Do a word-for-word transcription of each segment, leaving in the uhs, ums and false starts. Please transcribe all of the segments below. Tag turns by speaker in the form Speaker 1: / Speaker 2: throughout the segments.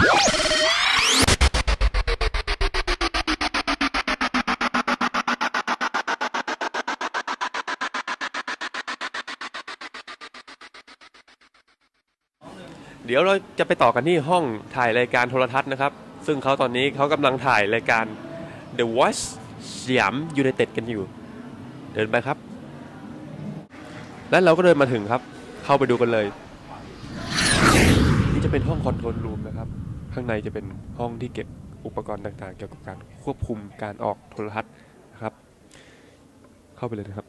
Speaker 1: เดี๋ยวเราจะไปต่อกันที่ห้องถ่ายรายการโทรทัศน์นะครับซึ่งเขาตอนนี้เขากำลังถ่ายรายการ The Voice สยามยูไนเต็ดกันอยู่เดินไปครับและเราก็เดินมาถึงครับเข้าไปดูกันเลยนี่จะเป็นห้องคอนโทรลรูมนะครับข้างในจะเป็นห้องที่เก็บอุปกรณ์ต่างๆเกี่ยวกับการควบคุมการออกโทรทัศน์นะครับเข้าไปเลยนะครับ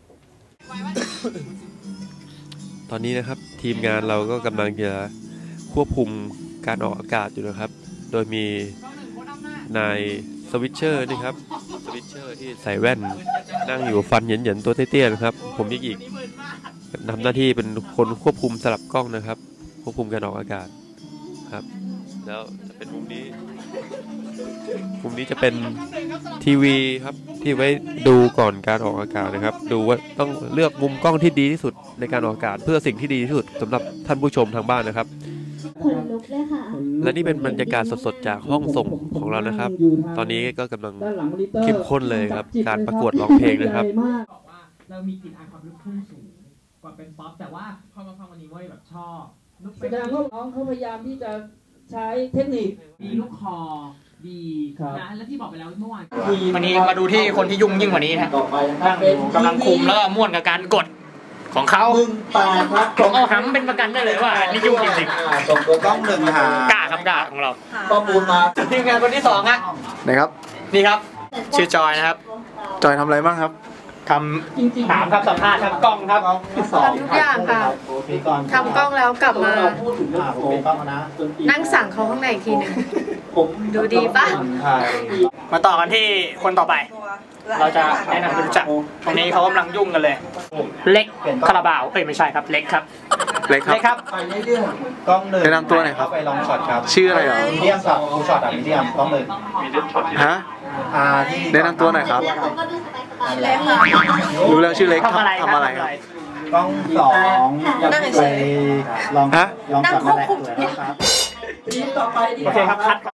Speaker 1: ตอนนี้นะครับทีมงานเราก็กำลังจะควบคุมการออกอากาศอยู่นะครับโดยมีนายสวิตเชอร์นี่ครับสวิตเชอร์ที่ใส่แว่นนั่งอยู่ฟันเหยินๆตัวเตี้ยๆนะครับผมยิกอีกทำหน้าที่เป็นคนควบคุมสลับกล้องนะครับควบคุมการออกอากาศครับแล้วจะเป็นมุมนี้มุมนี้จะเป็นทีวีครับที่ไว้ดูก่อนการออกอากาศนะครับดูว่าต้องเลือกมุมกล้องที่ดีที่สุดในการออกอากาศเพื่อสิ่งที่ดีที่สุดสำหรับท่านผู้ชมทางบ้านนะครับและนี่เป็นบรรยากาศสดๆจากห้องส่งของเรานะครับตอนนี้ก็กำลังเข้มข้นเลยครับการประกวดร้องเพลงนะครับ
Speaker 2: เรามีกลิ่นอายความลูกทุ่งสูงกว่าเป็นป๊อปแต่ว่าพอมาฟังวันนี้ว่าแบบชอบ
Speaker 3: แสดงว่าน้องเขาพยายามที่จะใช้เทคนิค
Speaker 2: ดีลูกคอดีนะและที่บอกไปแล้วเมื่อวาน
Speaker 4: วันนี้มาดูที่คนที่ยุ่งยิ่งกว่านี้นะนั่งกำลังคุมแล้วก็ม่วนกับการกดของเขาผมเอาหำเป็นประกันได้เลยว่านี่ยุ่งจริงๆ
Speaker 5: ส่งตัวกล้องหนึ่งหาก
Speaker 4: ล้าครับกล้าของเรา
Speaker 5: ข้อมูลมา
Speaker 4: ทีมงานคนที่สองฮะ
Speaker 5: ไหนครับ
Speaker 4: นี่ครับชื่อจอยนะครับ
Speaker 5: จอยทำอะไรบ้างครับ
Speaker 4: ทำถามครับสัมภาษณ์ครับกล้องครับ
Speaker 6: ทำทุกอย่างค่ะทำกล้องแล้วกลับมานั่งสั่งเขาข้างในอีกทีหนึ่งดูดีปะ
Speaker 4: มาต่อกันที่คนต่อไปเราจะแนะนำรู้จักตรงนี้เขากำลังยุ่งกันเลยเล็กคาราบาวเอ้ยไม่ใช่ครับเล็กครับ
Speaker 5: เล็กครับ
Speaker 4: กล้องหนึ่ง
Speaker 5: แนะนำตัวหน่อยครับ
Speaker 4: ไปลองช็อตครับ
Speaker 5: ชื่ออะไรอ่ะ
Speaker 4: มีเดียมครับดูช็อตอ่ะมีเดียมกล้องหนึ่ง
Speaker 5: ฮะแนะนำตัวหน่อยครับรู้แล้วชื่อเล็กทำอะไรทำอะไรครับ
Speaker 4: กล้องสองไปลอง
Speaker 5: ฮะ
Speaker 4: ลองช็อตนั่นแหละโอเคครับคัด